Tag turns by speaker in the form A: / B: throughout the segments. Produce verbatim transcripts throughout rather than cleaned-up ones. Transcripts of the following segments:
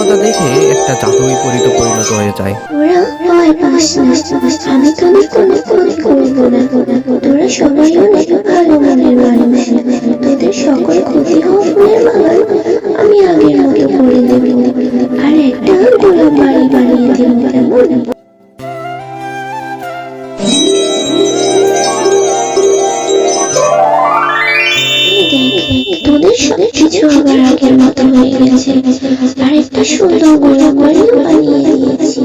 A: কথাটা দেখে একটা জাদুই পরিত পরিণত হয়ে যায়।
B: ওরা ভয় পাস না, আমি তোদের কোনো ক্ষতি করবো না। তোরা সবাই অনেক ভালো মনের মানুষ। তোদের সকল ক্ষতি হওয়া ফুলের বাগান আমি আগের মতো করে দেব, আর একটা গোলাপ বাড়ি বানিয়ে দেব। কেমন? তোদের সব কিছু আবার আগের মতো হয়ে গেছে, আর একটা সুন্দর গোলাপ বাড়িও বানিয়ে দিয়েছি।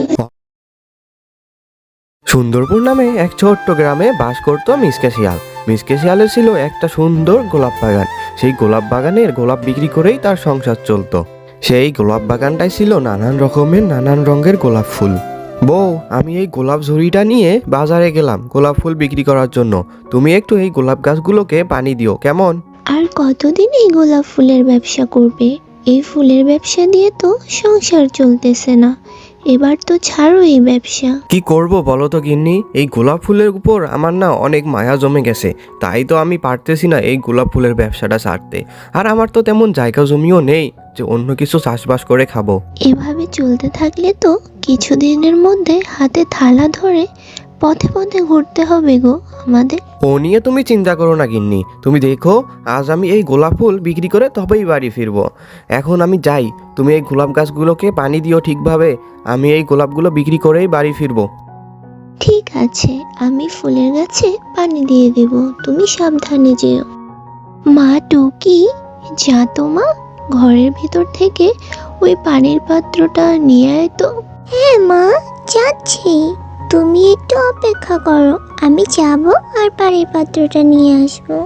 A: সুন্দরপুর নামে এক ছোট্ট গ্রামে বাস করত মিসকে শিয়াল। মিসকে শিয়ালের ছিল একটা সুন্দর গোলাপ বাগান। সেই গোলাপ বাগানের গোলাপ বিক্রি করেই তার সংসার চলতো। সেই গোলাপ বাগানটাই ছিল নানান রকমের নানান রঙের গোলাপ ফুল। বউ, আমি এই গোলাপ ঝুড়িটা নিয়ে বাজারে গেলাম গোলাপ ফুল বিক্রি করার জন্য। তুমি একটু এই গোলাপ গাছগুলোকে পানি দিও, কেমন?
B: আর কতদিন এই গোলাপ ফুলের ব্যবসা করবে? এই ফুলের ব্যবসা দিয়ে তো সংসার চলতেছে না। এবার তো ছাড়ো এই ব্যবসা।
A: কি করব বলো তো গিন্নি, এই গোলাপ ফুলের উপর আমার না অনেক মায়া জমে গেছে। তাই তো আমি পারতেছি না এই গোলাপ ফুলের ব্যবসাটা ছাড়তে। আর আমার তো তেমন জায়গা জমিও নেই যে অন্য কিছু চাষবাস করে খাবো।
B: এভাবে চলতে থাকলে তো কিছুদিনের মধ্যে হাতে থালা ধরে পথে পথে ঘুরতে হবে গো আমাদের।
A: ও নিয়ে তুমি চিন্তা করো না গিন্নি। তুমি দেখো, আজ আমি এই গোলাপ ফুল বিক্রি করে তবেই বাড়ি ফিরবো। এখন আমি যাই, তুমি এই গোলাপ গাছগুলোকে পানি দিও ঠিকভাবে। আমি এই গোলাপগুলো বিক্রি করেই বাড়ি ফিরবো।
B: ঠিক আছে, আমি ফুলের গাছে পানি দিয়ে দেব, তুমি সাবধানে যেও। মা টুকি, যা তো মা, ঘরের ভিতর থেকে ওই পানির পাত্রটা নিয়ে আয় তো। হ্যাঁ মা, যাচ্ছি। তুমি একটু অপেক্ষা করো, আমি যাব আর পানির পাত্রটা নিয়ে আসবো।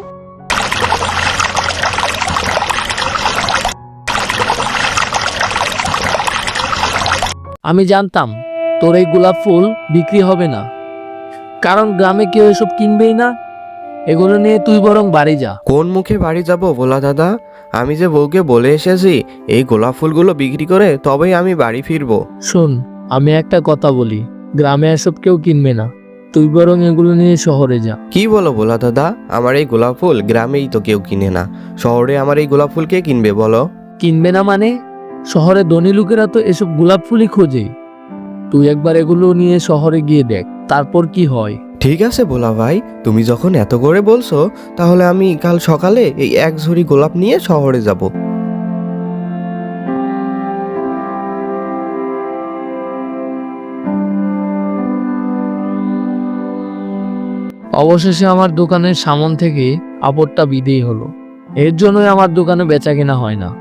C: আমি জানতাম তোর এই গোলাপ ফুল বিক্রি হবে না, কারণ গ্রামে কেউ এসব কিনবেই না। এগুলো নিয়ে তুই বরং বাড়ি যা।
A: কোন মুখে বাড়ি যাব ভোলা দাদা? আমি যে বউকে বলে এসেছি এই গোলাপ ফুলগুলো বিক্রি করে তবেই আমি বাড়ি ফিরবো।
C: শোন, আমি একটা কথা বলি, গ্রামে এসব কেউ কিনবে না। তুই বরং এগুলো নিয়ে শহরে যা।
A: কি বলো ভোলা দাদা? আমার এই গোলাপ ফুল গ্রামেই তো কেউ কিনে না, শহরে আমার এই গোলাপ ফুল কে কিনবে বলো?
C: কিনবে না মানে? শহরে ধনী লোকেরা তো এসব গোলাপ ফুলই খোঁজে। তুই একবার এগুলো নিয়ে শহরে গিয়ে দেখ, তারপর কি হয়।
A: ঠিক আছে ভোলা ভাই, তুমি যখন এত করে বলছো তাহলে আমি কাল সকালে এই এক ঝুড়ি গোলাপ নিয়ে শহরে যাব।
C: অবশেষে আমার দোকানের সামন থেকে আপদটা বিদেয় হলো। এর জন্যই আমার দোকানে বেচা কেনা হয় না।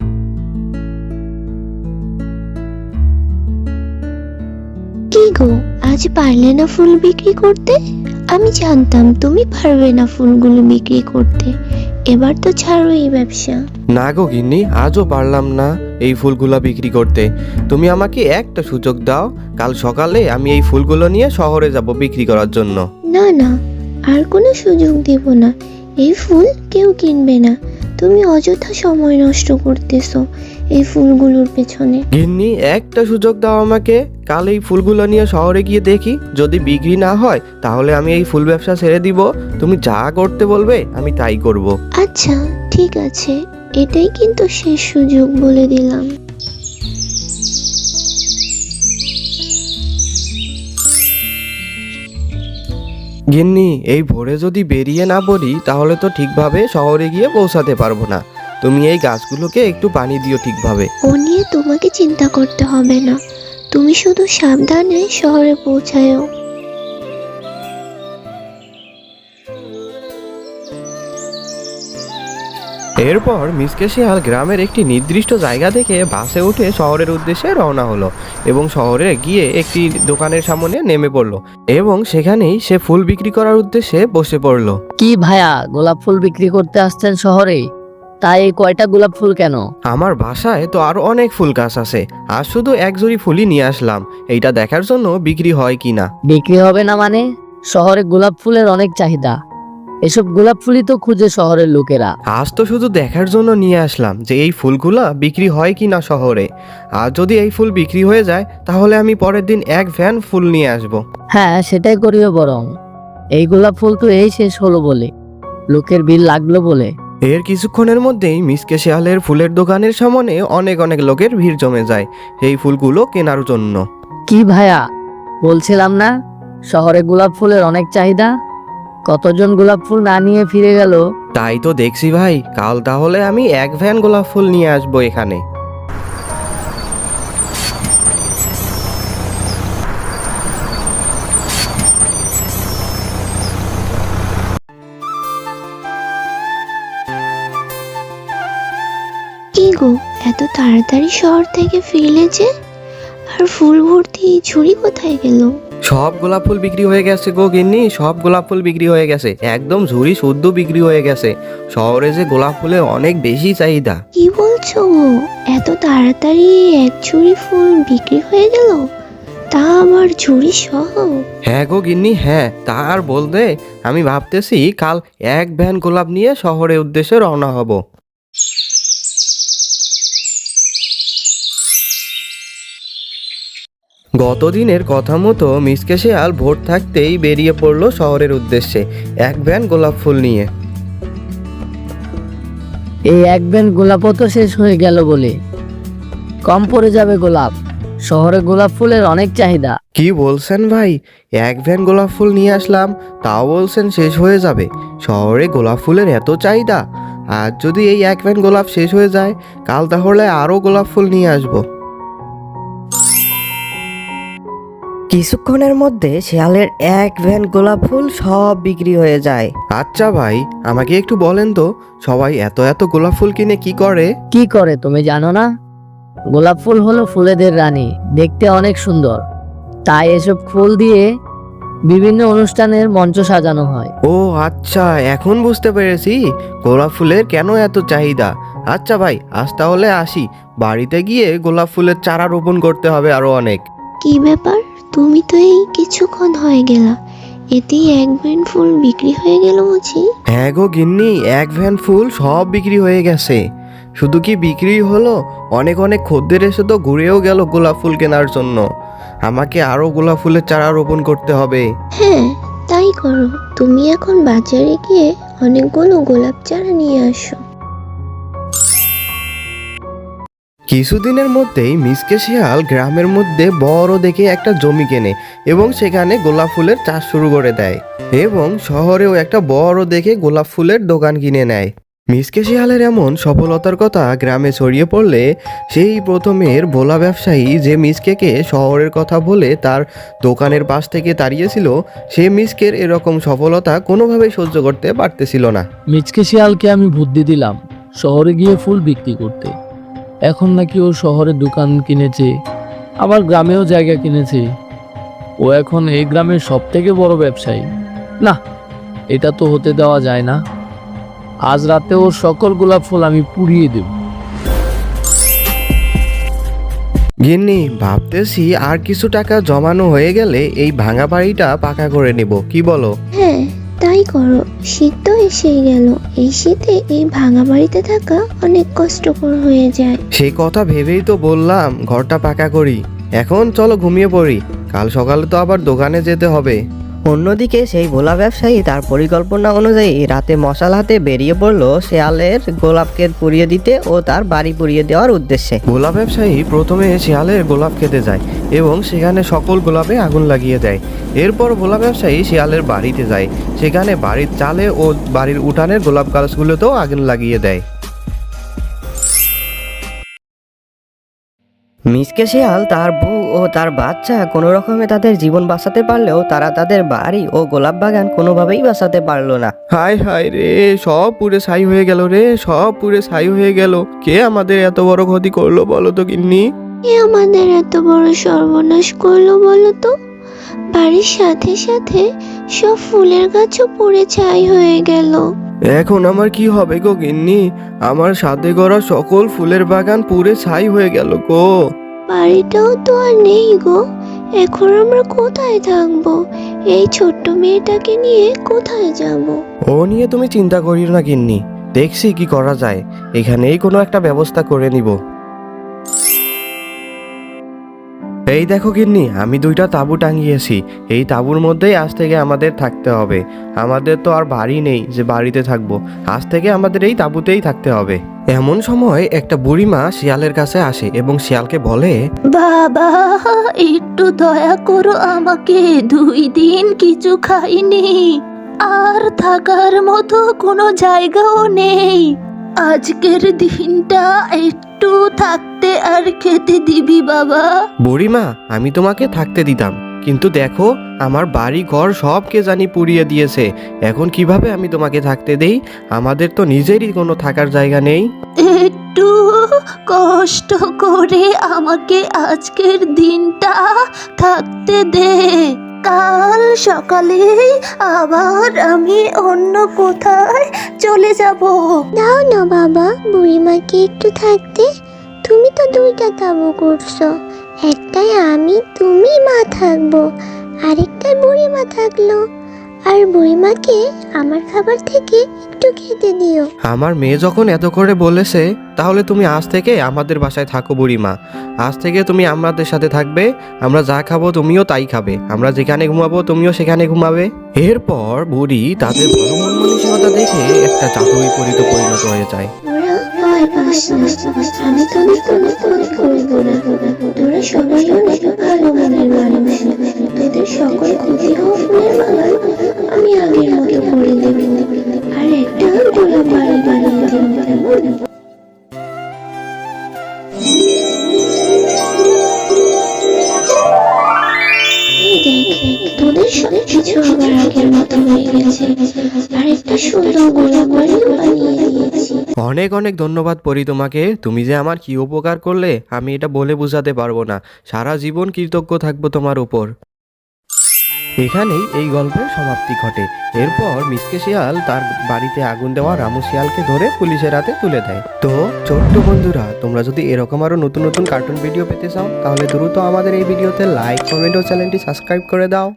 B: কি গো, আজ পারলে না ফুল বিক্রি করতে? আমি জানতাম তুমি পারবে না ফুলগুলো বিক্রি করতে। এবার তো ছাড়ো এই ব্যবসা।
A: না গো গিন্নি, আজও পারলাম না এই ফুলগুলো বিক্রি করতে। তুমি আমাকে একটা সুযোগ দাও, কাল সকালে আমি এই ফুলগুলো নিয়ে শহরে যাব বিক্রি করার জন্য।
B: না না, আর কোনো সুযোগ দেব না। এই ফুল কেউ কিনবে না। তুমি অযথা সময় নষ্ট করতেছো এই ফুলগুলোর পেছনে।
A: গিন্নি, একটা সুযোগ দাও আমাকে, কাল এই ফুলগুলো নিয়ে শহরে গিয়ে দেখি, যদি বিক্রি না হয় তাহলে আমি এই ফুল ব্যবসা ছেড়ে দিব। তুমি যা করতে বলবে আমি তাই করব।
B: আচ্ছা ঠিক আছে, এটাই কিন্তু শেষ সুযোগ বলে দিলাম।
A: গিন্নি, এই ভোরে যদি বেরিয়ে না পড়ি তাহলে তো ঠিকভাবে শহরে গিয়ে পৌঁছাতে পারবো না। তুমি এই গাছগুলোকে একটু পানি দিও ঠিকভাবে।
B: ও নিয়ে তোমাকে চিন্তা করতে হবে না, তুমি শুধু সাবধানে শহরে পৌঁছায়ও।
A: এরপর মিসকে শিয়াল গ্রামের একটি নির্দিষ্ট জায়গা থেকে বাসে উঠে শহরের উদ্দেশ্যে রওনা হলো এবং শহরে গিয়ে একটি দোকানের সামনে নেমে পড়লো এবং সেখানেই সে ফুল বিক্রি করার উদ্দেশ্যে বসে পড়লো।
D: কি ভাইয়া, গোলাপ ফুল বিক্রি করতে আসছেন শহরে? তাই এই কয়টা গোলাপ ফুল কেন?
A: আমার বাসায় তো আরো অনেক ফুল গাছ আছে, আর শুধু এক জুড়ি ফুলই নিয়ে আসলাম এইটা দেখার জন্য বিক্রি হয় কিনা।
D: বিক্রি হবে না মানে? শহরে গোলাপ ফুলের অনেক চাহিদা, এসব গোলাপ ফুলই তো খুঁজে শহরের লোকেরা।
A: আজ তো শুধু দেখার জন্য নিয়ে আসলাম যে এই ফুলগুলা বিক্রি হয় কিনা শহরে। আর যদি এই ফুল বিক্রি হয়ে যায় তাহলে আমি পরের দিন এক ভ্যান ফুল নিয়ে আসব।
D: হ্যাঁ, সেটাই করিও বরং। এই গোলাপ ফুল তো এই শেষ হলো বলে, লোকের বিল লাগলো বলে
A: এর কিছুক্ষণের মধ্যেই মিসকে শিয়ালের ফুলের দোকানের সামনে অনেক অনেক লোকের ভিড় জমে যায় এই ফুলগুলো কেনার জন্য।
D: কি ভাইয়া, বলছিলাম না শহরে গোলাপ ফুলের অনেক চাহিদা? কতজন গোলাপ ফুল না নিয়ে ফিরে গেল।
A: তাই তো দেখছি ভাই, কাল তাহলে আমি এক ভ্যান গোলাপ ফুল নিয়ে আসবো এখানে।
B: কি গো, এত তাড়াতাড়ি শহর থেকে ফিরলে যে? আর ফুল ভর্তি ঝুড়ি কোথায় গেল?
A: সব গোলাপ ফুল বিক্রি হয়ে গেছে গো গিন্নি, সব গোলাপ ফুল বিক্রি হয়ে গেছে, একদম ঝুড়ি শুদ্ধ বিক্রি হয়ে গেছে। শহরে যে গোলাপ ফুলের অনেক বেশি চাহিদা।
B: কি বলছো গো, এত তাড়াতাড়ি এক ঝুড়ি ফুল বিক্রি হয়ে গেল, তা আবার ঝুড়ি সহ?
A: হ্যাঁ গো গিন্নি, হ্যাঁ, তা আর বলতে, আমি ভাবতেছি কাল এক ভ্যান গোলাপ নিয়ে শহরের উদ্দেশ্যে রওনা হব। গতদিনের কথা মতো মিসকে শিয়াল ভোর থাকতেই বেরিয়ে পড়লো শহরের উদ্দেশ্যে এক ভ্যান গোলাপ ফুল নিয়ে।
D: এই এক ব্যান্ড গোলাপও তো শেষ হয়ে গেল বলে কম পড়ে যাবে গোলাপ। শহরে গোলাপ ফুলের অনেক চাহিদা।
A: কি বলছেন ভাই, এক ভ্যান গোলাপ ফুল নিয়ে আসলাম, তাও বলছেন শেষ হয়ে যাবে? শহরে গোলাপ ফুলের এত চাহিদা, আর যদি এই এক ভ্যান গোলাপ শেষ হয়ে যায়, কাল তাহলে আরও গোলাপ ফুল নিয়ে আসবো।
E: কিছুক্ষণের মধ্যে শিয়ালের এক ভ্যান গোলাপ ফুল সব বিক্রি হয়ে যায়।
A: আচ্ছা ভাই, আমাকে একটু বলেন তো, সবাই এত এত গোলাপ ফুল কিনে কি করে?
D: কি করে তুমি জানো না? গোলাপ ফুল হলো ফুলেদের রানী, দেখতে অনেক সুন্দর, তাই এসব ফুল দিয়ে বিভিন্ন অনুষ্ঠানের মঞ্চ সাজানো হয়।
A: ও আচ্ছা, এখন বুঝতে পেরেছি গোলাপ ফুলের কেন এত চাহিদা। আচ্ছা ভাই, আজ তাহলে আসি, বাড়িতে গিয়ে গোলাপ ফুলের চারা রোপণ করতে হবে আরো অনেক।
B: কি ব্যাপার, তুমি তো এই কিছুক্ষণ হয়ে গেলা, এতেই এক ভ্যান ফুল বিক্রি হয়ে গেল বুঝি?
A: হ্যাঁ গো গিন্নি, এক ভ্যান ফুল সব বিক্রি হয়ে গেছে। শুধু কি বিক্রি হলো, অনেক অনেক খদ্দের এসে তো ঘুরেও গেল গোলাপ ফুল কেনার জন্য। আমাকে আরো গোলাপ ফুলের চারা রোপণ করতে হবে।
B: হ্যাঁ, তাই করো। তুমি এখন বাজারে গিয়ে অনেকগুলো গোলাপ চারা নিয়ে আসো।
A: কিছুদিনের মধ্যেই মিসকে শিয়াল গ্রামের মধ্যে বড় দেখে একটা জমি কেনে এবং সেখানে গোলাপ ফুলের চাষ শুরু করে দেয় এবং শহরেও একটা বড় দেখে গোলাপ ফুলের দোকান কিনে নেয়। মিসকে শিয়ালের এমন সফলতার কথা গ্রামে ছড়িয়ে পড়লে সেই প্রথমের ভোলা ব্যবসায়ী যে মিসকেকে শহরের কথা বলে তার দোকানের পাশ থেকে তাড়িয়েছিল, সে মিসকের এরকম সফলতা কোনোভাবেই সহ্য করতে পারতেছিল না।
C: মিচকে শিয়ালকে আমি বুদ্ধি দিলাম শহরে গিয়ে ফুল বিক্রি করতে। এখন নাকি ও শহরে দোকান কিনেছে, আবার গ্রামেও জায়গা কিনেছে। ও এখন এই গ্রামের সব থেকে বড় ব্যবসায়ী। না, এটা তো হতে দেওয়া যায় না। আজ রাতে ওর সকল গোলাপ ফুল আমি পুড়িয়ে দেব।
A: গিন্নি, ভাবতেছি আর কিছু টাকা জমানো হয়ে গেলে এই ভাঙা বাড়িটা পাকা করে নেব, কি বলো?
B: হ্যাঁ, তাই করো। শীত তো এসেই গেল, এই শীতে এই ভাঙা বাড়িতে থাকা অনেক কষ্টকর হয়ে যায়।
A: সেই কথা ভেবেই তো বললাম ঘরটা পাকা করি। এখন চলো ঘুমিয়ে পড়ি, কাল সকালে তো আবার দোকানে যেতে হবে।
E: অন্যদিকে সেই ভোলা ব্যবসায়ী তার পরিকল্পনা অনুযায়ী রাতে মশাল হাতে বেরিয়ে পড়লো শিয়ালের গোলাপকে পুড়িয়ে দিতে ও তার বাড়ি পুড়িয়ে দেওয়ার উদ্দেশ্যে।
A: গোলাপ ব্যবসায়ী প্রথমে শিয়ালের গোলাপ খেতে যায় এবং সেখানে সকল গোলাপে আগুন লাগিয়ে দেয়। এরপর গোলাপ ব্যবসায়ী শিয়ালের বাড়িতে যায়, সেখানে বাড়ির চালে ও বাড়ির উঠানের গোলাপ গাছগুলোতেও আগুন লাগিয়ে দেয়।
E: মিসকে শিয়াল, তার বউ ও তার বাচ্চা কোনো রকমে তাদের জীবন বাঁচাতে পারলেও তারা তাদের বাড়ি ও গোলাপ বাগান কোনোভাবেই বাঁচাতে পারলো না।
A: হায় হায় রে, সব পুড়ে ছাই হয়ে গেল রে, সব পুড়ে ছাই হয়ে গেল। কে আমাদের এত বড় ক্ষতি করলো বলো তো গিন্নি?
B: এ আমাদের এত বড় সর্বনাশ করলো বলো তো? বাড়ির সাথে সাথে সব ফুলের গাছও পুড়ে ছাই হয়ে গেল।
A: এখন আমার কি হবে গো গিন্নি? আমার সাথে গড়া সকল ফুলের বাগান পুড়ে ছাই হয়ে গেল গো।
B: বাড়িটাও তো আর নেই গো, এখন আমরা কোথায় থাকবো? এই ছোট্ট মেয়েটাকে নিয়ে কোথায় যাব?
A: ও নিয়ে তুমি চিন্তা করিও না গিন্নি, দেখছি কি করা যায়, এখানেই কোনো একটা ব্যবস্থা করে নিব। এই দেখো গিন্নি, আমি দুইটা তাঁবু টাঙিয়েছি। এই তাঁবুর মধ্যেই আজ থেকে আমাদের থাকতে হবে। আমাদের তো আর বাড়ি নেই যে বাড়িতে থাকবো, আজ থেকে আমাদের এই তাঁবুতেই থাকতে হবে। এমন সময় একটা বুড়িমা শিয়ালের কাছে আসে এবং শিয়ালকে বলে,
B: বাবা, একটু দয়া করো আমাকে, দুই দিন কিছু খাইনি, আর থাকার মতো কোনো জায়গাও নেই। আজকের দিনটা একটু থাকতে আর খেতে দিবি বাবা।
A: বুড়িমা, আমি তোমাকে থাকতে দিতাম, কিন্তু দেখো আমার বাড়ি ঘর সব কে জানি পুড়িয়ে দিয়েছে। এখন কিভাবে আমি তোমাকে থাকতে দেই? আমাদের তো নিজেরই কোনো থাকার জায়গা নেই।
B: একটু কষ্ট করে আমাকে আজকের দিনটা থাকতে দে, কাল সকালে আবার আমি অন্য কোথায় চলে যাব। দাও না বাবা, বুড়িমাকে একটু থাকতে। তুমি তো দুইটা তাবু করছো, একটাই আমি তুমি মা থাকবো, আরেকটায় বুড়িমা থাকলো। আর বুড়িমাকে আমার খাবার থেকে একটু খেতে দিও।
A: আমার মেয়ে যখন এত করে বলেছে, তাহলে তুমি আজ থেকে আমাদের বাসায় থাকো বুড়িমা। আজ থেকে তুমি আমাদের সাথে থাকবে। আমরা যা খাবো তুমিও তাই খাবে, আমরা যেখানে ঘুমাবো তুমিও সেখানে ঘুমাবে। এরপর বুড়ি তাদের ভালো মন মানসিকতা দেখে একটা জাদুই পরিত পরিণত হয়ে যায়।
B: তোরা ভয় পাস না, আমি তোদের কোনো ক্ষতি করব না। তোরা সবাই অনেক ভালো মনের মানুষ, তোদের সকল ক্ষতি হওয়া ফুলের বাগান আমি আগের মতো করে দেব, আর একটা গোলাপ বাড়ি বানিয়ে দেব, কেমন? এই দেখ, তোদের সব কিছু আবার আগের মতো হয়ে গেছে, আর একটা সুন্দর গোলাপ বাড়িও বানিয়ে দিয়েছি।
A: অনেক অনেক ধন্যবাদ পরি তোমাকে। তুমি যে আমার কি উপকার করলে আমি এটা বলে বোঝাতে পারবো না। সারা জীবন কৃতজ্ঞ থাকবো তোমার উপর। এখানেই এই গল্পের সমাপ্তি ঘটে। এরপর মিসকে শিয়াল তার বাড়িতে আগুন দেওয়া রামু শিয়ালকে ধরে পুলিশের হাতে তুলে দেয়। তো ছোট্ট বন্ধুরা, তোমরা যদি এরকম আরো নতুন নতুন কার্টুন ভিডিও পেতে চাও, তাহলে দ্রুত আমাদের এই ভিডিওতে লাইক, কমেন্ট ও চ্যানেলটি সাবস্ক্রাইব করে দাও।